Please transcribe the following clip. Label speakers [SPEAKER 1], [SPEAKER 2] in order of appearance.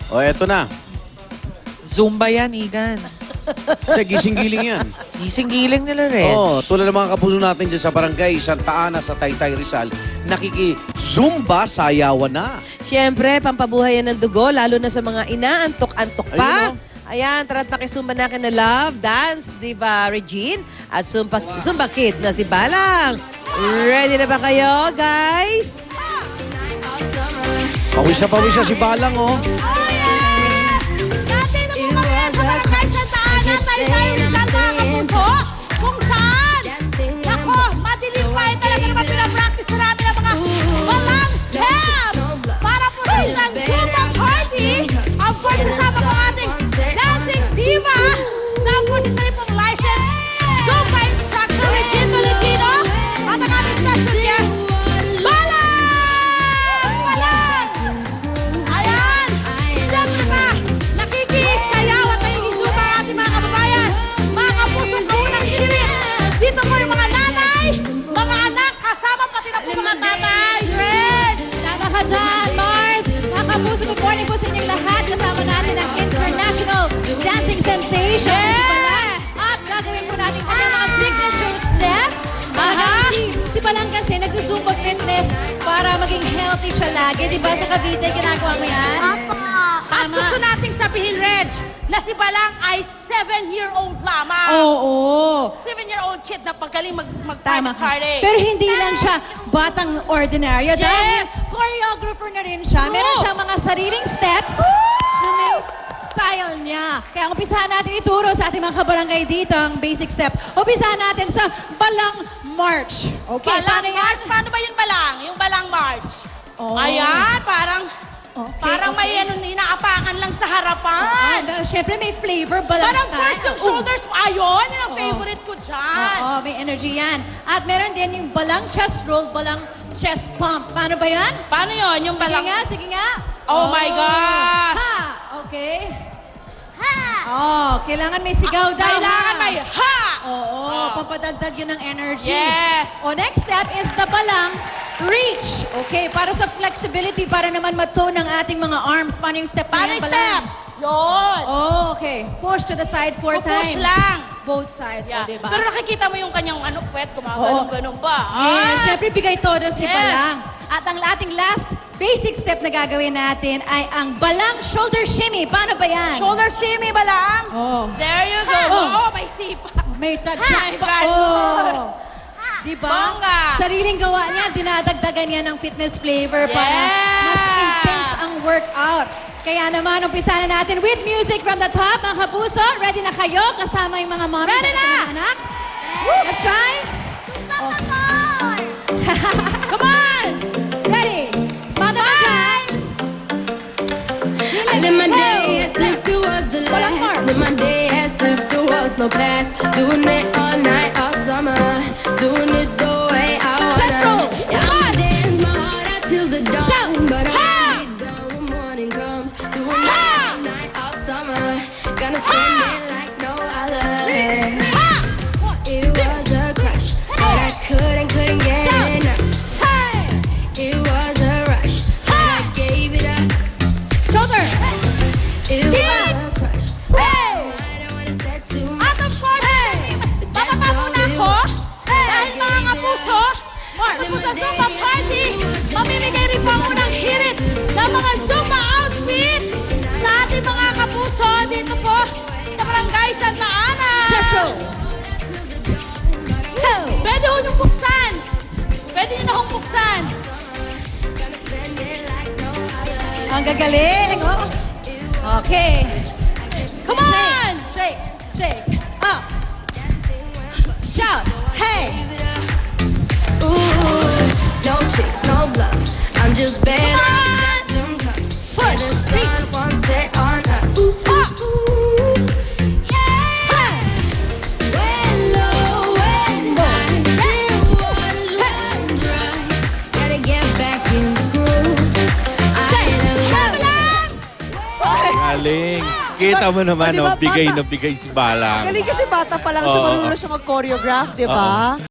[SPEAKER 1] O, eto na.
[SPEAKER 2] Zumba yan, Igan.
[SPEAKER 1] Hindi, gising-giling yan.
[SPEAKER 2] Gising-giling nila rin.
[SPEAKER 1] Oo, tulad ng mga kapuso natin dyan sa barangay Santa Ana sa Taytay Rizal, nakiki-zumba sayawan na.
[SPEAKER 3] Siyempre, pampabuhay yan ng dugo, lalo na sa mga inaantok-antok pa.
[SPEAKER 1] Ayun,
[SPEAKER 3] Ayan, tara't makisumba na na Love, Dance, Diva Regine, at Zumba Kids na si Balang. Ready na ba kayo, guys?
[SPEAKER 1] Pawis na si Balang, oh.
[SPEAKER 4] Dati nung mga sa barangay sa Taana, Taytay Rizal mga kapuso, kung saan, nako, madilim pa eh talaga naman pinapractice namin ang mga walang help para po sa isang Zumba party. Of course, kasama po ating dancing diva na po siya na rin pong licensed Zumba instructor Regine Tolentino at ang aming special guest, Balang! Balang! Ayan! Siyempre pa, nakikisayaw at nakikisuba ang ating mga kababayan, mga kapusong kaunang hinirit. Dito po yung mga nanay, mga anak, kasama pati na po mga tatay. Red!
[SPEAKER 5] Tama ka dyan, Mars! Mga kapuso, good morning po sa inyong lahat. Kasama natin ang international dancing sensation.
[SPEAKER 4] Yeah!
[SPEAKER 5] At gagawin po natin kanyang mga signature steps. Si Balang kasi nagsusumba fitness para maging healthy siya lagi. Diba sa Cavite, ginagawa mo yan?
[SPEAKER 4] At gusto nating sabihin, Reg, na si Balang ay 7-year-old lamang.
[SPEAKER 5] Oo.
[SPEAKER 4] 7-year-old kid na pagaling
[SPEAKER 5] Tama
[SPEAKER 4] mag-private
[SPEAKER 5] ka.
[SPEAKER 4] party.
[SPEAKER 5] Pero hindi lang siya batang ordinaryo. Dahil
[SPEAKER 4] Yes!
[SPEAKER 5] choreographer na rin siya. Meron
[SPEAKER 4] Oo.
[SPEAKER 5] siyang mga sariling steps na may style niya. Kaya umpisahan natin ituro sa ating mga kabarangay dito ang basic step. Umpisahan natin sa Balang March. Okay,
[SPEAKER 4] Balang
[SPEAKER 5] paano yan?
[SPEAKER 4] March? Paano ba yung Balang? Yung Balang March.
[SPEAKER 5] Oh.
[SPEAKER 4] Ayan, parang
[SPEAKER 5] Okay,
[SPEAKER 4] parang may
[SPEAKER 5] okay.
[SPEAKER 4] ano, inaapakan lang sa harapan.
[SPEAKER 5] Siyempre may flavor, Balang
[SPEAKER 4] Parang
[SPEAKER 5] style.
[SPEAKER 4] first yung shoulders, ayun, yun ang
[SPEAKER 5] Oo.
[SPEAKER 4] favorite ko dyan.
[SPEAKER 5] Oo, may energy yan. At meron din yung Balang chest roll, Balang chest pump. Paano ba yan?
[SPEAKER 4] Paano yun? Yung
[SPEAKER 5] Sige
[SPEAKER 4] Balang...
[SPEAKER 5] nga, sige nga.
[SPEAKER 4] Oh my gosh!
[SPEAKER 5] Ha! Okay.
[SPEAKER 4] Ha!
[SPEAKER 5] Oh, kailangan may sigaw daw.
[SPEAKER 4] Kailangan
[SPEAKER 5] ha?
[SPEAKER 4] may ha!
[SPEAKER 5] Oo,
[SPEAKER 4] Oh.
[SPEAKER 5] papadagdag yun ng energy.
[SPEAKER 4] Yes!
[SPEAKER 5] O, next step is the Balang reach. Okay, para sa flexibility, para naman matone ang ating mga arms. Paano yung step na
[SPEAKER 4] Paano
[SPEAKER 5] yan,
[SPEAKER 4] yung
[SPEAKER 5] Balang?
[SPEAKER 4] step? Yun!
[SPEAKER 5] Oh, okay. Push to the side 4
[SPEAKER 4] Push
[SPEAKER 5] times.
[SPEAKER 4] lang.
[SPEAKER 5] Both sides,
[SPEAKER 4] Yeah.
[SPEAKER 5] o, diba?
[SPEAKER 4] Pero nakikita mo yung kanyang ano, puwet, gumagano'n-ganon ba?
[SPEAKER 5] Yeah, syempre bigay todo si
[SPEAKER 4] Yes.
[SPEAKER 5] Balang. At ang ating last basic step na gagawin natin ay ang Balang shoulder shimmy. Paano ba yan?
[SPEAKER 4] Shoulder shimmy ba lang?
[SPEAKER 5] Oh.
[SPEAKER 4] There you go.
[SPEAKER 5] Oh.
[SPEAKER 4] Oo, may sipa.
[SPEAKER 5] May
[SPEAKER 4] Hi,
[SPEAKER 5] tadyak pa.
[SPEAKER 4] ganun.
[SPEAKER 5] Oh. Diba?
[SPEAKER 4] Bongga.
[SPEAKER 5] Sariling gawa niya, dinadagdagan niya ng fitness flavor para
[SPEAKER 4] Yeah.
[SPEAKER 5] mas intense ang workout. Kaya naman, umpisa na natin with music from the top. Mga kapuso, ready na kayo? Kasama yung mga mommy
[SPEAKER 4] Ready
[SPEAKER 5] at
[SPEAKER 4] na!
[SPEAKER 5] mga anak? Let's try.
[SPEAKER 4] Come on!
[SPEAKER 5] Ready? Smada ka dyan.
[SPEAKER 6] I live my day as if it was the
[SPEAKER 5] Walang
[SPEAKER 6] last.
[SPEAKER 5] march.
[SPEAKER 6] Live my day as if there was no past. Doing it all night, all summer. Doing it the way I
[SPEAKER 5] Chest roll.
[SPEAKER 6] wanna. Yeah, I'ma dance my heart out till the dawn.
[SPEAKER 5] Shout.
[SPEAKER 6] But
[SPEAKER 5] Ha!
[SPEAKER 6] I'll be done when morning comes. Doing it all night, all summer. Gonna spend it like no other. It was a crush, but I couldn't get enough. It was a rush, but I gave it up.
[SPEAKER 5] Shoulder.
[SPEAKER 6] It was a crush.
[SPEAKER 5] Hey!
[SPEAKER 6] I don't wanna say too
[SPEAKER 4] At
[SPEAKER 6] much.
[SPEAKER 4] of course, bababa muna ako. Dahil mga kapuso, gusto ko sa Zumba party, mamimigay rin po ako ng hirit ng mga Zumba outfit sa ating mga kapuso dito po sa Barangay Santa Ana.
[SPEAKER 5] Chest roll. Oh.
[SPEAKER 4] Pwede ho niyong buksan. Pwede niyo na hong buksan.
[SPEAKER 5] Ang gagaling, oh. Okay.
[SPEAKER 4] Come on!
[SPEAKER 5] Shake, shake, up. Shout, hey.
[SPEAKER 6] Ooh, no tricks, no bluff. I'm just bad at them cups.
[SPEAKER 5] Push,
[SPEAKER 6] And the
[SPEAKER 5] reach.
[SPEAKER 6] sun won't set on us. Ooh, yeah. When low, when high, still waters run dry. Gotta get back in the groove. I love
[SPEAKER 7] Galing. Kita mo naman,
[SPEAKER 3] O, diba,
[SPEAKER 7] bigay
[SPEAKER 3] bata?
[SPEAKER 7] na bigay si Balang.
[SPEAKER 3] Galing kasi bata pa lang siya,
[SPEAKER 7] Oo.
[SPEAKER 3] marunong siya mag-choreograph, di ba?